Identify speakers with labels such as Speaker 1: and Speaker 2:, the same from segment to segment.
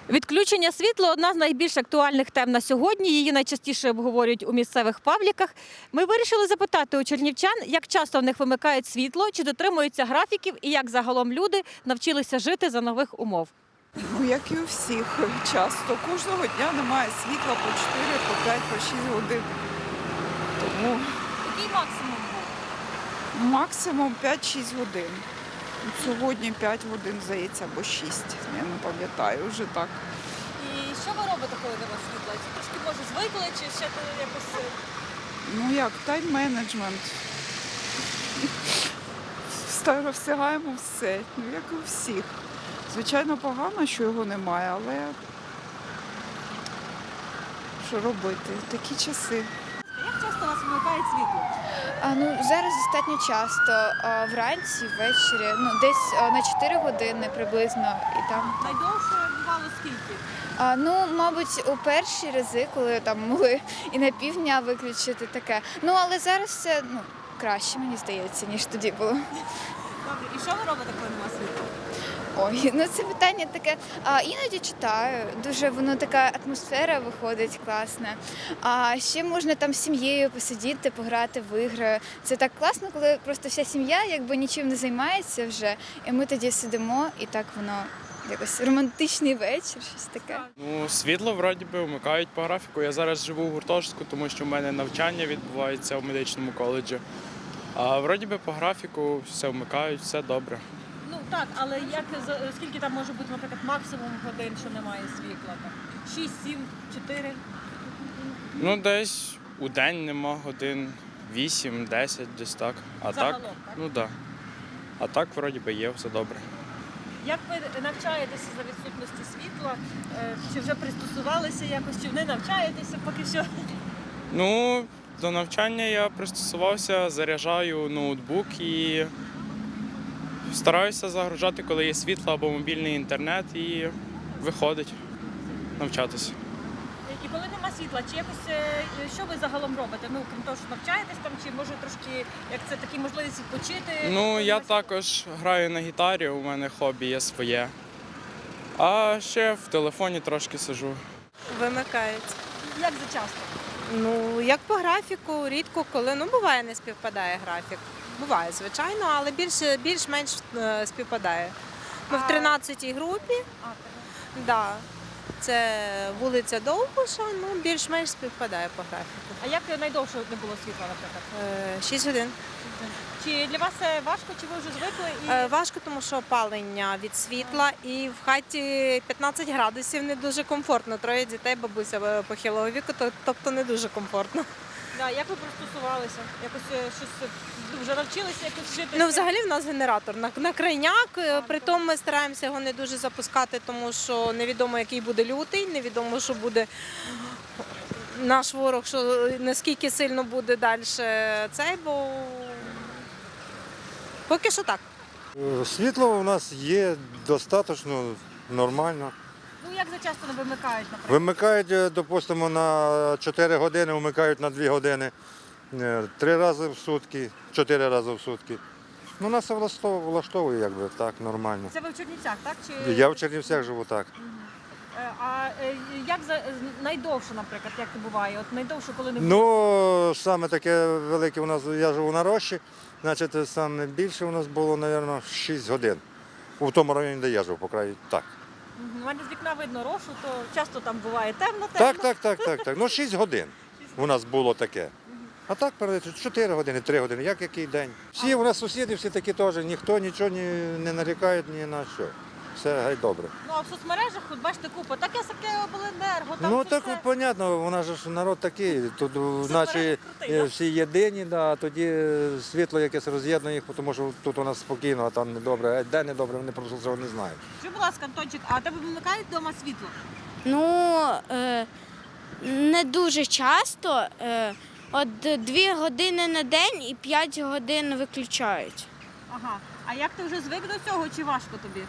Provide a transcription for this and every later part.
Speaker 1: Відключення світла – одна з найбільш актуальних тем на сьогодні. Її найчастіше обговорюють у місцевих пабліках. Ми вирішили запитати у чернівчан, як часто в них вимикають світло, чи дотримуються графіків і як загалом люди навчилися жити за нових умов.
Speaker 2: Ну, як і у всіх, часто. Кожного дня немає світла по 4, по 5, по 6 годин. Тому
Speaker 1: Який максимум був?
Speaker 2: максимум 5-6 годин. Сьогодні 5 годин, здається, або 6. Я не пам'ятаю вже так.
Speaker 1: І що ви робите, коли нема світла? Чи трошки, може, звикли, чи ще якось…
Speaker 2: Ну як, тайм-менеджмент. Встигаємо все, ну як і у всіх. Звичайно, погано, що його немає, але що робити? Такі часи.
Speaker 1: Як часто у вас вимикають світло?
Speaker 3: Зараз достатньо часто, вранці, ввечері, десь на 4 години приблизно і там.
Speaker 1: Найдовше бувало скільки?
Speaker 3: Мабуть, у перші рази, коли там могли і на півдня виключити таке. Але зараз це краще, мені здається, ніж тоді було.
Speaker 1: Добре, і що ви робите, коли нема світла?
Speaker 3: Ой, це питання таке. Іноді читаю, дуже воно така атмосфера виходить класна. А ще можна там з сім'єю посидіти, пограти в ігри. Це так класно, коли просто вся сім'я якби нічим не займається вже, і ми тоді сидимо, і так воно якось романтичний вечір, щось таке.
Speaker 4: Світло вроді би вмикають по графіку. Я зараз живу в гуртожитку, тому що в мене навчання відбувається в медичному коледжі. А вроді би по графіку все вмикають, все добре.
Speaker 1: Ну так, але скільки там може бути, наприклад, максимум годин, що немає світла? 6, 7, 4?
Speaker 4: Десь у день нема годин 8, 10, десь так. А
Speaker 1: Загалом,
Speaker 4: так?
Speaker 1: так?
Speaker 4: Так. А так вроді би є, все добре.
Speaker 1: Як ви навчаєтеся за відсутності світла? Чи вже пристосувалися якось, чи не навчаєтеся поки що?
Speaker 4: До навчання я пристосувався, заряджаю ноутбук і стараюся загружати, коли є світло або мобільний інтернет, і виходить навчатися.
Speaker 1: І коли нема світла, чи якось, що ви загалом робите? Крім того, що навчаєтесь там, чи може трошки, як це такі можливість відпочити?
Speaker 4: Я також граю на гітарі, у мене хобі є своє. А ще в телефоні трошки сиджу.
Speaker 5: Вимикають.
Speaker 1: Як за часто?
Speaker 5: Як по графіку, рідко коли. Буває, не співпадає графік. Буває, звичайно, але більш-менш співпадає. Ми в 13-й групі. Да. Це вулиця Довбуша, більш-менш співпадає по графіку.
Speaker 1: А як найдовше не було світла, наприклад?
Speaker 5: 6 годин.
Speaker 1: Чи для вас це важко, чи ви вже звикли?
Speaker 5: Важко, тому що опалення від світла і в хаті 15 градусів не дуже комфортно. 3 дітей, бабуся похилого віку, тобто не дуже комфортно.
Speaker 1: Як ви пристосувалися? Якось щось вже навчилися якось жити?
Speaker 5: Взагалі в нас генератор на крайняк, притом ми стараємося його не дуже запускати, тому що невідомо, який буде лютий, невідомо, що буде наш ворог, що наскільки сильно буде далі цей, бо поки що так.
Speaker 6: Світло у нас є достатньо нормально.
Speaker 1: Як за часто не вимикають, наприклад?
Speaker 6: Вимикають, допустимо, на 4 години, вмикають на 2 години, 3 рази в сутки, 4 рази в сутки. Нас це влаштовує, якби так, нормально.
Speaker 1: Це ви в Чернівцях, так? Чи...
Speaker 6: Я в Чернівцях живу так.
Speaker 1: А як найдовше, наприклад, як це буває? От найдовше, коли не було?
Speaker 6: Саме таке велике у нас, я живу на Рощі, значить, саме більше у нас було, мабуть, 6 годин. У тому районі, де я живу, по краю, так.
Speaker 1: У мене з вікна видно Рошу, то часто там буває темно.
Speaker 6: Так. 6 годин у нас було таке. А так, 4 години, 3 години, який день. Всі у нас сусіди, всі такі теж, ніхто нічого не нарікає ні на що. Все гай добре.
Speaker 1: А в соцмережах, от бачите, купа, таке обленерго, там
Speaker 6: Так,
Speaker 1: все.
Speaker 6: понятно, у нас же народ такий, тут наче всі єдині, а тоді світло якесь роз'єднує їх, тому що тут у нас спокійно, а там недобре. А де недобре, вони просто цього не знають.
Speaker 1: Скажи, будь ласка, Антончик, а тебе вимикають вдома світло?
Speaker 7: Не дуже часто. От 2 години на день і 5 годин виключають.
Speaker 1: Ага. А як ти вже звик до цього, чи важко тобі?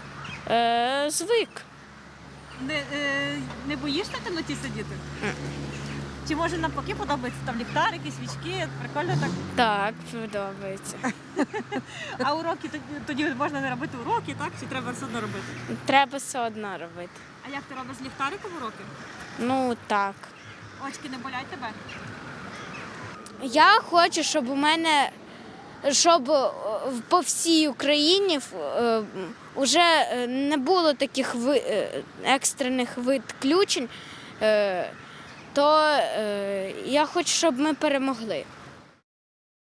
Speaker 7: Звик.
Speaker 1: Не боїшся в темноті сидіти? Чи може навпаки подобається там ліхтарики, свічки? Прикольно так.
Speaker 7: Так, подобається.
Speaker 1: А уроки тоді можна не робити уроки, так? Чи треба все одно робити?
Speaker 7: Треба все одно робити.
Speaker 1: А як ти робиш з ліхтариком уроки?
Speaker 7: Ну так.
Speaker 1: Очки не болять тебе?
Speaker 7: Я хочу, щоб у мене, щоб по всій Україні вже не було таких екстрених відключень, то я хочу, щоб ми перемогли.